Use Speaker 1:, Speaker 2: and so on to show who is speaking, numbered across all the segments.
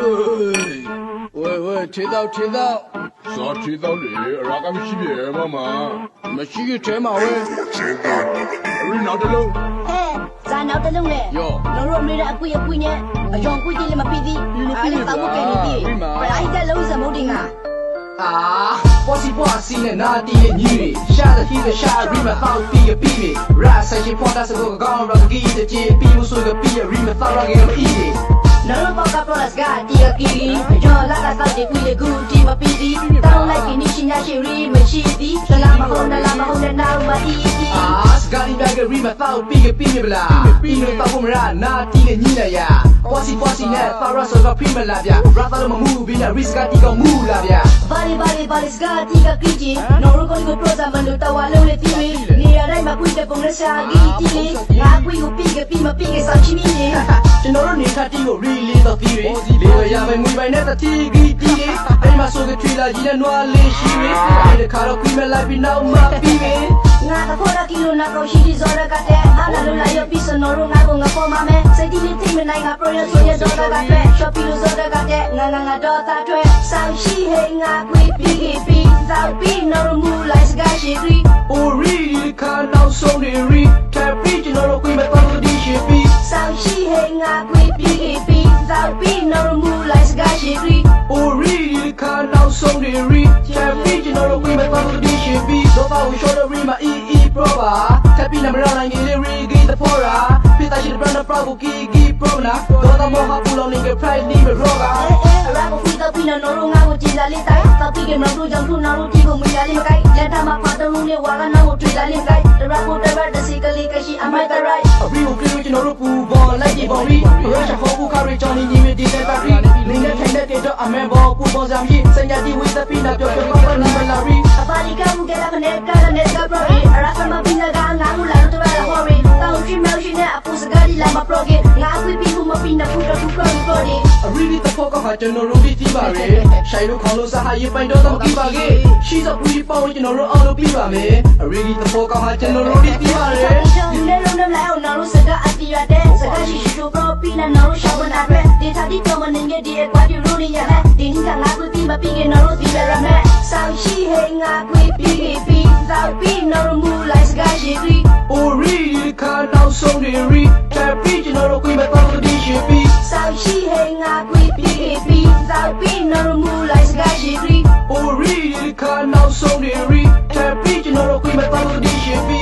Speaker 1: 喂，切到，
Speaker 2: 啥切到嘞？哪个没区别妈妈？
Speaker 1: 没洗个切嘛喂？
Speaker 2: 你拿着喽？
Speaker 3: 咱拿着喽嘞。
Speaker 1: 哟，
Speaker 3: 老肉没得贵呢，用贵点嘛便宜，你把我给你比，不然一个楼什么的啊？
Speaker 4: 波西呢拿地的女的，下的黑的下瑞们好比个比比，然三些破大是个高让给的街，比不说个比瑞们好让给我一的。Nalo baka plus ga dia kiri jo la ka sa de kui le gu ti ma pi di tao lai ki ni shin ya shi ri ma shi di la ma ho na na ma i skali ba ga ri ma tao pi me bla pi no ta ko mra na ti le ni la ya posi ne ta ra so ga pi ma la bya ra ta lo ma mu bi na risk ga ti ga mu la bya bali ska ti ga ki ji no ro ko pro za ma lo ta wa lo le ti ri ni ya dai ma kui de pong le sa gi ti le na kui ko pi ma pi ke sa chi ni ni ကျွန်တော်တို့နေခတိကို really တော့ပြီးပြီလေရရမယ်ငွေပိုင်နဲ့တတိကြီးတီးတယ်အဲ့မှာဆိုတဲ့ထွေလာကြီးနဲ့နွားလေးရှိပြီဒီခါတော့ခွေးမဲ့လိုက်ပြီးနောက်မှပြီးပြီငါတော့ခေါ်ကီလိုနာကိုရှိဒီဇော်ရကတဲ့အားလာလို့လာရပြီးစနော်တို့ငါကပေါ်မှာမယ်စိတ်တီးလေးထိမနိုင်ငါ project ဆိုရတော့ကတဲ့ shopping လို့ဇော်ရကတဲ့ငါတော့သားတွေဆောင်းရှိဟဲငါခွေးပြီးသောက်ပြီးနော်မူလိုက်စကားရှိပြီ oh really ခါနောက်ဆုံးနေ re ထပ်ပြီးကျွန်တော်တို့ခွေးမဲ့တော့ဒီရှိပြီဆောင်းရှိဟဲငါခွေးပြီးသောက်ပြီးနော်မူလိုက်စကားရှိပြီ oh really ခါနောက်ဆုံးနေ re ထပ်ပြီးကျွန်တော်တို့ခွေးမဲ့တော့ဒီရှိပြီတော့ပါဝင် shoulder re မှာ e pro ပါထပ်ပြီးနံပါတ်9လေး re ဂီတဖော်ရာပြတာရှိတဲ့ brand pro ကို gi pro နာတော့မောဟာပူလောင်းနေ price နေရောကအဲ့ဒါကိုပြီးတော့ပြီးနော်တို့ငါ့ကိုကြည်လာလေးတိုင်းတော့ပြီးကမလို့ကြောင့်သူ့နော်တို့ဒီကိုမရလေးမကိုက်လက်ထမှာဖတ်တော့လို့လေဝါကနော်ကိုတွေ့လာလေးကိုက်တရာကိုတရာတစီကလေးကရှိ am I the right အပြီးကိုကြည့်ကျွန်တော်တို့ပူပေါ်လိုက်ကြည့်ပေါ်ပြီးရချဖို့ဘူးခါရီချောင်းနေနေဒီတဲ့ပါရီနေနဲ့ထိုင်တဲ့တော့အမေဘောပူပေါ်စံကြီးစင်ရတီဝေးသပြီးတော့ပြောပါနေမလာရီအပါလီကမှုကလည်းနဲ့ကလည်းကပရိုအရာမပင်းကငါမလာတော့လာဟောရီတောင်းကြည့်မရှိနဲ့အပူစကားဒီလာမပရိုကေငါခွေးပြီးမပင်းနဲ့ဖူတော့ဖူပရိုဒီအရီဒီတဖို့ကဟာကျွန်တော်တို့ဒီပါရီရှိုင်လို့ခေါင်းလို့စားဟာရေးပိုင်တော့တော့ကြည့်ပါကေရှိတော့ဘူးပေါင်းကျွန်တော်တို့အောင်လို့ပြီးပါမယ်အရီဒီတဖို့ကဟာကျွန်တော်တို့ဒီပါရီဒီနေ့လုံးနဲ့လိုက်အောင်နော်စကားအတီးရတဲ့စကားရှိရှိတို့ပရိုပြီးနဲ့နော်ရှောင်းနာတဲ့ဒီသာဒီတော့မနေဒီအကွာဒီလိုနေရတဲ့ဒီနေ့ကငါခွေးပြီးမပြီးကေနော်တို့ဒီရမယ်ဆောင်းရှိဟဲငါခွေးပြီးသောက်ပြီးနော်မူလိုက်စကားရှိပြီး oh really ခါနောက်ဆုံးနေ re ထပ်ပြီးကျွန်တော်တို့ခွေးမဲ့တော့ဒီရှိပြီးဆောင်းရှိဟဲငါခွေးပြီးသောက်ပြီးနော်မူလိုက်စကားရှိပြီး oh really ခါနောက်ဆုံးနေ re ထပ်ပြီးကျွန်တော်တို့ခွေးမဲ့တော့ဒီရှိပြီး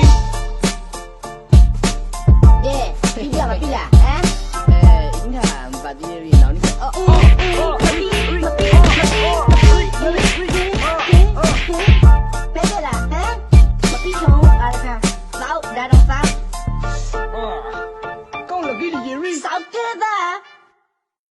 Speaker 3: yeah ပြီးရပါပြီလားဟမ်
Speaker 1: 应该把这里闹你。
Speaker 3: 别的啦，我比穷，来看，走，来动手，
Speaker 1: 讲了给你瑞。
Speaker 3: 少个的。